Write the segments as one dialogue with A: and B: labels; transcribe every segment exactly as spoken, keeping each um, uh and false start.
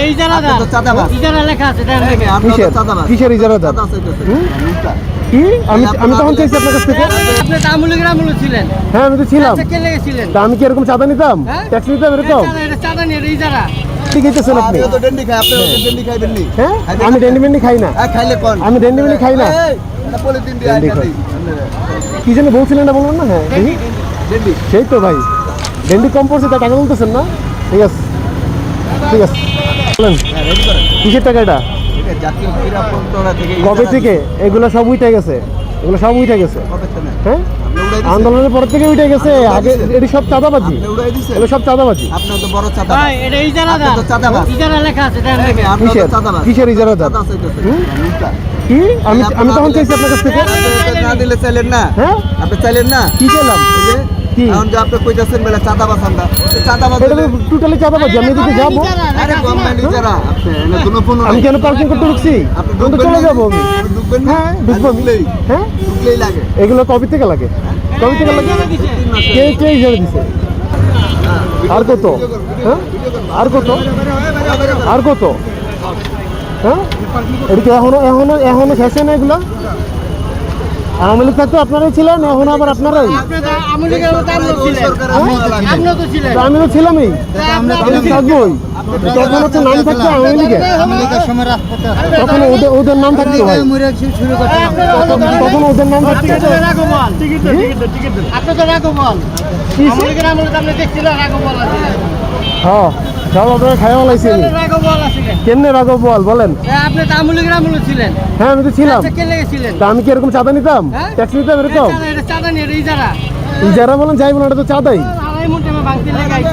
A: ইজারা দাও।
B: আপনি তো চাঁদাবাজ।
A: ইজারা লেখা আছে দেন।
B: আপনি তো
C: কিসের
B: চাঁদাবাজ।
C: কিসের ইজারা দাও?
B: চাঁদা চাইতেছেন।
C: হুম?
B: মিথ্যা।
C: কি আমি আমি তখন চাইছি আপনার কাছ থেকে।
A: আপনি তো আমুল গ্রামুল ছিলেন।
C: হ্যাঁ আমি তো ছিলাম।
A: আচ্ছা, কে লেগেছিলেন?
C: তা আমি কি এরকম চাঁদা নিতাম?
A: হ্যাঁ?
C: ট্যাক্স নিতাম এরকম?
A: এটা এটা চাঁদা নিয়ে এটা ইজারা।
C: ঠিক হইতেছেন আপনি।
B: আপনিও তো ডেন্ডি খায়, আপনিও তো ডেন্ডি খাইবেন নি?
C: হ্যাঁ
B: খাইবেন
C: আমি
B: না?
C: ডেন্ডি মেন্ডি খাই না।
B: হ্যাঁ, খাইলে কোন?
C: আমি ডেন্ডি মেন্ডি খাই না।
B: এই, এই, এটা পলিথিন দিয়ে
C: ডেন্ডি
B: আইনা
C: খাই।
B: দিই। আপনারা।
C: কি জানি বলছিলেন না বলবেন না? হ্যাঁ দেখি।
B: ডেন্ডি।
C: সেই তো ভাই ডেন্ডি কম পড়ছে তা টাকা বলতেছেন না? ঠিক আছে ঠিক আছে বলেন
B: হ্যাঁ, রেডি করেন।
C: কিসের টাকা এটা?
B: ঠিক আছে, জাতীয় ক্রীড়া প্রত্যয় থেকে
C: কবে
B: ইজারা
C: থেকে
B: দিচ্ছে।
C: এগুলো সব উঠে গেছে? এগুলো সব উঠে গেছে
B: কবে থেকে?
C: হ্যাঁ
B: আপনি উড়াই দিছেন?
C: আন্দোলনের পর থেকে উঠে গেছে।
B: আপনি উড়াই
C: আগে
B: দিছেন?
C: এটি সব চাঁদাবাজি।
B: আপনি উড়াই দিছেন?
C: এগুলো সব চাঁদাবাজি।
B: আপনিও তো বড় চাঁদা।
A: ভাই এটা ইজারা
B: আপনি
A: দাও।
B: তো চাঁদাবাজ।
A: ইজারা লেখা আছে দেন।
B: আপনি তো
C: কিসের
B: চাঁদাবাজ।
C: কিসের ইজারা দাও?
B: চাঁদা চাইতেছেন।
C: হুম?
B: মিথ্যা।
C: কি আমি
B: আপনি
C: আমি
B: না
C: তখন
B: দিলে-
C: চাইছি আপনার কাছ থেকে।
B: আপনি তো না দিলে চাইলেন না?
C: হ্যাঁ
B: আপনি চাইলেন না?
C: কি চাইলাম?
B: এই যে,
C: কি?
B: এখন যে আপনি কইতাছেন বেলা চাঁদাবাজ আমরা। তো চাঁদাবাজ
C: এটা তো
B: হলে-
C: টোটালি চাঁদাবাজি। আমি এদিকে যাবো
B: আরে গভর্নমেন্ট ইজারা। আপনি এনে কোনো ফোনও
C: আমি
B: নাই।
C: কেন পার্কিং করতে ঢুকছি?
B: আপনি
C: আমি তো
B: ঢুকবেন
C: চলে
B: না?
C: যাবো আমি।
B: আপনি ঢুকবেন না?
C: হ্যাঁ ঢুকবো আমি।
B: ঢুকলেই-
C: হ্যাঁ
B: ঢুকলেই লাগে।
C: এগুলো কবে থেকে লাগে? কবে থেকে লাগে?
B: তিন মাসে।
C: কে কে ইজারা দিছে? আর কত? হ্যাঁ আর কত? আর কত? হ্যাঁ এটা কি এখনো এখনো এখনো শেষ হয় না এগুলো? আওয়ামী লীগ থাকতে আপনারাই ছিলেন, এখন আবার আপনারাই।
A: আপনি তো আমুল গ্রামে তো আমরাও ছিলেন। আপনিও তো ছিলেন।
C: তো আমি তো ছিলামই,
A: আমরা
C: আমি তো থাকবোই। তখন হচ্ছে নাম থাকতো আওয়ামী লীগের, তখন ওদের ওদের নাম থাকতো ভাই, তখন তখন ওদের নাম থাকতো।
A: আপনি তো রাঘবল। আপনি তো রাঘবল। আমুল গ্রামে তো আপনি দেখছিলেন রাঘবল আছিলেন।
C: হ্যাঁ সব আপনারা খাইয়া লাইছি আমি।
A: রাঘবল আছিলেন।
C: কেমনে রাঘব বল বলেন?
A: আপনি তো আমুল গ্রামে ছিলেন।
C: হ্যাঁ আমি তো ছিলাম।
A: আচ্ছা, কে লেগেছিলেন?
C: তা আমি কি এরকম চাঁদা নিতাম?
A: হ্যাঁ?
C: ট্যাক্স নিতাম এরকম?
A: এটা এটা চাঁদা নিয়ে এটা ইজারা।
C: যারা বলেন যাই বলেন এটা তো চাঁদাই।
A: আড়াই মুঠে ভাঙতে লেগাইছে।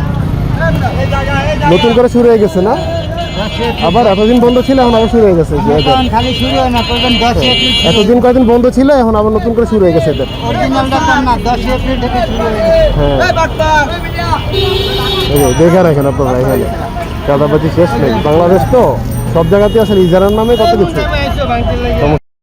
C: নতুন করে শুরু হয়ে গেছে না? আবার এতদিন বন্ধ ছিল এখন আবার শুরু হয়ে গেছে যে এদের।
A: খালি শুরু হয় না, প্রয়োজন দশ এপ্রিল।
C: এতদিন কয়েকদিন বন্ধ ছিল এখন আবার নতুন করে শুরু হয়ে গেছে এদের।
A: অরিজিনালটা কম না, দশ এপ্রিল থেকে শুরু হয়ে গেছে।
C: হ্যাঁ এই যে দেখে রাখেন আপনারা এখানে চাঁদাবাজি শেষ নেই। বাংলাদেশ তো সব জায়গাতে আসলে ইজারার নামে কত কিছু।
A: ভাঙতে লেগে